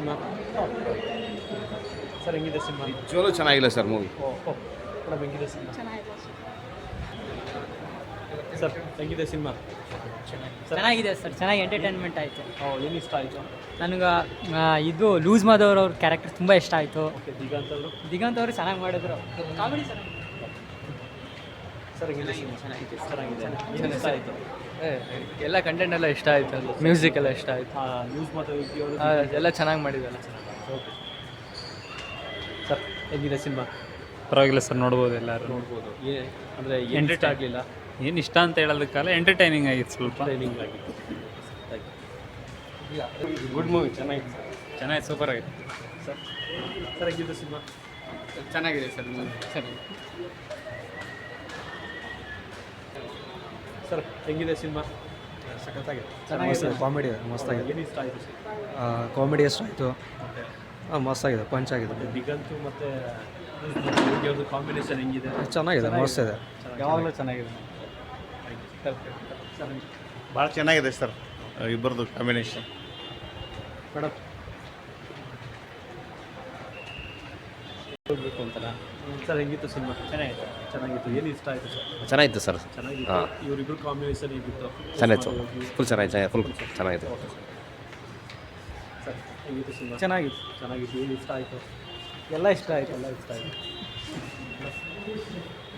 Cinema sir ಹೆಂಗಿದೆ cinema? ನಿಜವಾಗ್ಲೂ ಚೆನ್ನಾಗಿಲ್ಲ ಸರ್ ಮೂವಿ. ಓಹ್ ಮೇಡಮ್ ಹೆಂಗಿದೆ ಸಿನಿಮಾ? ಸರ್ ಹೆಂಗಿದೆ ಸಿನಿಮಾ? ಚೆನ್ನಾಗಿದೆ ಸರ್, ಚೆನ್ನಾಗಿ ಎಂಟರ್ಟೈನ್ಮೆಂಟ್ ಆಯಿತು. ಏನು ಇಷ್ಟ ಆಯಿತು? ನನಗೆ ಇದು ಲೂಸ್ ಮಾದವ್ರ ಕ್ಯಾರೆಕ್ಟರ್ ತುಂಬ ಇಷ್ಟ ಆಯಿತು. ಓಕೆ ದಿಗಂತ್ ಅವರು? ದಿಗಂತ್ ಅವರು ಚೆನ್ನಾಗಿ ಮಾಡಿದ್ರು, ಕಾಮಿಡಿ ಚೆನ್ನಾಗಿ. ಸರ್ ಹೆಂಗಿದೆ ಸಿನಿಮಾ? ಚೆನ್ನಾಗಿದೆ. ಏನು ಇಷ್ಟ ಆಯಿತು? ಎಲ್ಲ ಕಂಟೆಂಟ್ ಎಲ್ಲ ಇಷ್ಟ ಆಯಿತು, ಮ್ಯೂಸಿಕ್ ಎಲ್ಲ ಇಷ್ಟ ಆಯಿತು, ನ್ಯೂಸ್ ಮತ್ತು ಎಲ್ಲ ಚೆನ್ನಾಗಿ ಮಾಡಿದ್ದಲ್ಲ. ಓಕೆ ಸರ್ ಹೆಂಗಿದೆ ಸಿನಿಮಾ? ಪರವಾಗಿಲ್ಲ ಸರ್, ನೋಡ್ಬೋದು ಎಲ್ಲರೂ. ನೋಡ್ಬೋದು. ಅಂದರೆ ಏನು ಇಷ್ಟ ಆಗಲಿಲ್ಲ? ಏನು ಇಷ್ಟ ಅಂತ ಹೇಳೋದಕ್ಕಲ್ಲ, ಎಂಟರ್ಟೈನಿಂಗ್ ಆಗಿತ್ತು, ಸ್ವಲ್ಪ ಟ್ರೈನಿಂಗ್ ಆಗಿತ್ತು. ಗುಡ್ ಮೂವಿ, ಚೆನ್ನಾಗಿತ್ತು. ಚೆನ್ನಾಗಿ ಸೂಪರ್ ಆಗಿತ್ತು ಸರ್ ಸರ್ ಹೆಂಗಿದೆ ಸಿನಿಮಾ? ಚೆನ್ನಾಗಿದೆ ಸರ್ ಮೂವಿ. ಸರ್ ಹೆಂಗಿದೆ ಸಿನಿಮಾ? ಸಖತ್ತಾಗಿದೆ, ಚೆನ್ನಾಗಿದೆ. ಕಾಮಿಡಿ ಮಸ್ತಾಗಿದೆ. ಏನು ಇಷ್ಟ ಆಯಿತು ಸರ್? ಕಾಮಿಡಿ ಎಷ್ಟು ಆಯಿತು, ಮಸ್ತಾಗಿದೆ, ಪಂಚ್ ಆಗಿದೆ, ದಿಗಂತು ಮತ್ತು ಅವ್ರದ್ದು ಕಾಂಬಿನೇಷನ್ ಹೆಂಗಿದೆ? ಚೆನ್ನಾಗಿದೆ, ಮಸ್ತ್ ಇದೆ. ಯಾವಾಗಲೂ ಚೆನ್ನಾಗಿದೆ. ಸರ್ ಭಾಳ ಚೆನ್ನಾಗಿದೆ ಸರ್ ಇಬ್ಬರದು ಕಾಂಬಿನೇಷನ್. ಮೇಡಮ್ ಹೋಗ್ಬೇಕು ಅಂತಲ್ಲ ಸರ್, ಹೆಂಗಿತ್ತು ಸಿನಿಮಾ? ಚೆನ್ನಾಗಿತ್ತು. ಏನು ಇಷ್ಟ ಆಯಿತು ಸರ್? ಚೆನ್ನಾಗಿತ್ತು ಸರ್. ಚೆನ್ನಾಗಿತ್ತು. ಇವರಿಬ್ಬರು ಕಾಂಬಿನೇಷನ್ ಹೇಗಿತ್ತು? ಚೆನ್ನಾಗಿತ್ತು, ಫುಲ್ ಚೆನ್ನಾಗಿದೆ, ಫುಲ್ ಚೆನ್ನಾಗಿದೆ. ಸರ್ ಹೆಂಗಿತ್ತು ಸಿನಿಮಾ? ಚೆನ್ನಾಗಿತ್ತು. ಏನು ಇಷ್ಟ ಆಯಿತು? ಎಲ್ಲ ಇಷ್ಟ ಆಯಿತು. ಎಲ್ಲ ಇಷ್ಟ ಆಯಿತು.